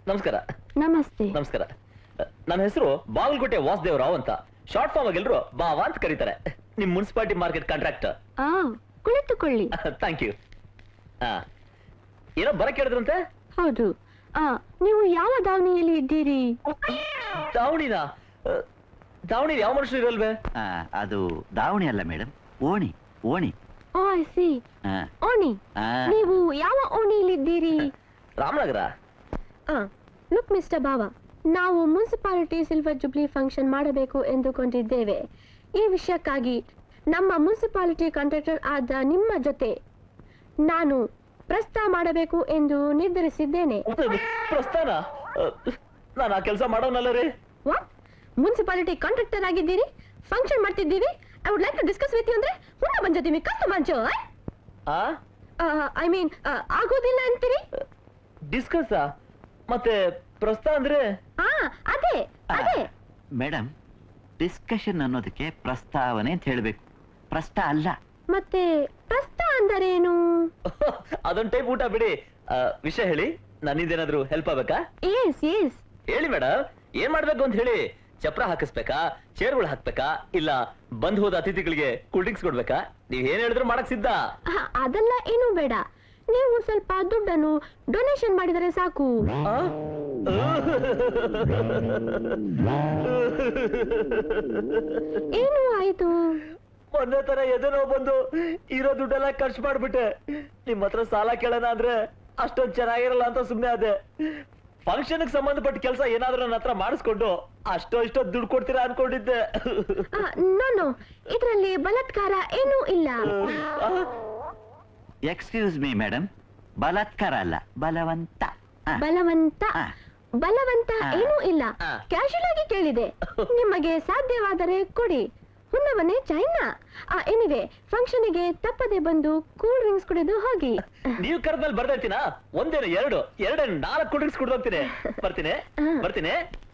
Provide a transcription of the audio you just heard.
ನಮಸ್ಕಾರ. ನಮಸ್ತೆ. ನಮಸ್ಕಾರ. ನನ್ನ ಹೆಸರು ಬಾಗಲಕೋಟೆ ವಾಸುದೇವರಾವ್ ಅಂತ. ಶಾರ್ಟ್ ಫಾರ್ಮ್ ಆಗಿ ಎಲ್ಲರೂ ಬಾವಾ ಅಂತ ಕರೀತಾರೆ. ನಿಮ್ ಮುನ್ಸಿಪಾಲಿಟಿ ಮಾರ್ಕೆಟ್ ಕಾಂಟ್ರಾಕ್ಟರ್. ಕುಳಿತುಕೊಳ್ಳಿ. Thank you. ಏನೋ ಬರಕ್ ಹೇಳಿದ್ರಂತೆ? ಹೌದು. ನೀವು ಯಾವ ದಾವಣಿಯಲ್ಲಿ ಇದ್ದೀರಿ? ದಾವಣಿನ ದಾವಣಿ ಯಾವ ಮನುಷ್ಯರು ಇರಲ್ವೇ? ಅದು ದಾವಣಿ ಅಲ್ಲ madam, Oni. Oni. Oh I see. Oni. ನೀವು ಯಾವ ಓಣಿಯಲ್ಲಿದ್ದೀರಿ? ರಾಮನಗರ. ಲುಕ್ ಮಿಸ್ಟರ್ ಬಾವಾ, ನಾವು ಮುನ್ಸಿಪಾಲಿಟಿ ಸಿಲ್ವರ್ ಜುಬ್ಲಿ ಫಂಕ್ಷನ್ ಮಾಡಬೇಕು ಎಂದುಕೊಂಡಿದ್ದೇವೆ. ಈ ವಿಷಯಕ್ಕಾಗಿ ನಮ್ಮ ಮುನ್ಸಿಪಾಲಿಟಿ ಕಾಂಟ್ರಾಕ್ಟರ್ ಆದ ನಿಮ್ಮ ಜೊತೆ ನಾನು ಪ್ರಸ್ತಾವ ಮಾಡಬೇಕು ಎಂದು ನಿರ್ಧರಿಸಿದ್ದೇನೆ. ಪ್ರಸ್ಥಾನ? ನಾನು ಆ ಕೆಲಸ ಮಾಡೋನಲ್ಲ ರೀ. ವಾಟ್? ಮುನ್ಸಿಪಾಲಿಟಿ ಕಾಂಟ್ರಾಕ್ಟರ್ ಆಗಿದ್ದೀರಿ, ಫಂಕ್ಷನ್ ಮಾಡ್ತಿದ್ದೀವಿ. I would like to discuss with you ಅಂದ್ರೆ ಹುಣ್ಣ ಬಂಜೋತಿ ಮಿ ಕಷ್ಟ ಮಂಚೋ. ಐ ಮೀನ್ ಆಗೋದಿಲ್ಲ ಅಂತೀರಿ? ಡಿಸ್ಕಸ್ ಮತ್ತೆ ಪ್ರಸ್ತಾವ ಅಂದ್ರೆ? ಅದೇ ಅದೇ ಮೇಡಮ್, ಡಿಸ್ಕಷನ್ ಅನ್ನೋದಕ್ಕೆ ಪ್ರಸ್ತಾವನೆ ಅಂತ ಹೇಳ್ಬೇಕು, ಪ್ರಸ್ತ ಅಲ್ಲ. ಮತ್ತೆ ಪ್ರಸ್ತ ಅಂದರೇನು? ಅದೊಂದು ಟೈಪ್ ಊಟ ಬಿಡಿ. ವಿಷಯ ಹೇಳಿ, ನನ್ನಿಂದೇನಾದ್ರೂ ಹೆಲ್ಪ್ ಆಗ್ಬೇಕಾ? ಎಸ್ ಎಸ್ ಹೇಳಿ ಮೇಡಮ್, ಏನ್ ಮಾಡ್ಬೇಕು ಅಂತ ಹೇಳಿ. ಚಪ್ರ ಹಾಕಿಸ್ಬೇಕಾ, ಚೇರ್ಗಳು ಹಾಕ್ಬೇಕಾ, ಇಲ್ಲ ಬಂದ್ ಹೋದ ಅತಿಥಿಗಳಿಗೆ ಕೂಲ್ ಡ್ರಿಂಕ್ಸ್ ಕೊಡ್ಬೇಕಾ? ನೀವ್ ಏನ್ ಹೇಳಿದ್ರು ಮಾಡಕ್ ಸಿದ್ಧ. ಅದೆಲ್ಲ ಏನೂ ಬೇಡ, ನೀವು ಸ್ವಲ್ಪ ದುಡ್ಡನ್ನು ಡೊನೇಷನ್ ಮಾಡಿದರೆ ಸಾಕು. ಏನು ಆಯ್ತು? ಮೊನ್ನೆ ತರ ಎದೆನೋ ಬಂದು ಇರೋ ದುಡ್ಡೆಲ್ಲ ಖರ್ಚು ಮಾಡ್ಬಿಟ್ಟೆ. ನಿಮ್ ಹತ್ರ ಸಾಲ ಕೇಳೋಣ ಅಂದ್ರೆ ಅಷ್ಟೊಂದು ಚೆನ್ನಾಗಿರಲ್ಲ ಅಂತ ಸುಮ್ನೆ ಅದೇ. ಫಂಕ್ಷನ್ ಸಂಬಂಧಪಟ್ಟ ಕೆಲಸ ಏನಾದ್ರೂ ನನ್ನ ಹತ್ರ ಮಾಡಿಸ್ಕೊಂಡು ಅಷ್ಟೋ ಇಷ್ಟೋ ದುಡ್ಡು ಕೊಡ್ತೀರಾ ಅನ್ಕೊಂಡಿದ್ದೆ. ನೋ, ಇದರಲ್ಲಿ ಬಲಾತ್ಕಾರ ಏನೂ ಇಲ್ಲ. ಎಕ್ಸ್ಕ್ಯೂಸ್ ಮೀ ಮೇಡಮ್, ಬಲಾತ್ಕಾರ ಅಲ್ಲ, ಬಲವಂತ. ಬಲವಂತ? ಬಲವಂತ ಏನೂ ಇಲ್ಲ, ಕ್ಯಾಶುಯಲ್ ಆಗಿ ಕೇಳಿದೆ. ನಿಮಗೆ ಸಾಧ್ಯವಾದರೆ ಕೊಡಿ, ಹುಣ್ಣವನೇ ಚೈನಾ. ಎನಿವೆ, ಫಂಕ್ಷನ್ಗೆ ತಪ್ಪದೆ ಬಂದು ಕೂಲ್ ಡ್ರಿಂಕ್ಸ್ ಕುಡಿದು ಹೋಗಿ. ನೀವು ಕರೆದ್ಮೇಲೆ ಬರ್ತಾ ಇರ್ತೀನಾ? ಒಂದೇನು ಎರಡು 4 ಕೂಲ್ ಡ್ರಿಂಕ್ಸ್ ಕುಡಿದು ಹೋಗ್ತೀನಿ. ಬರ್ತೀನಿ.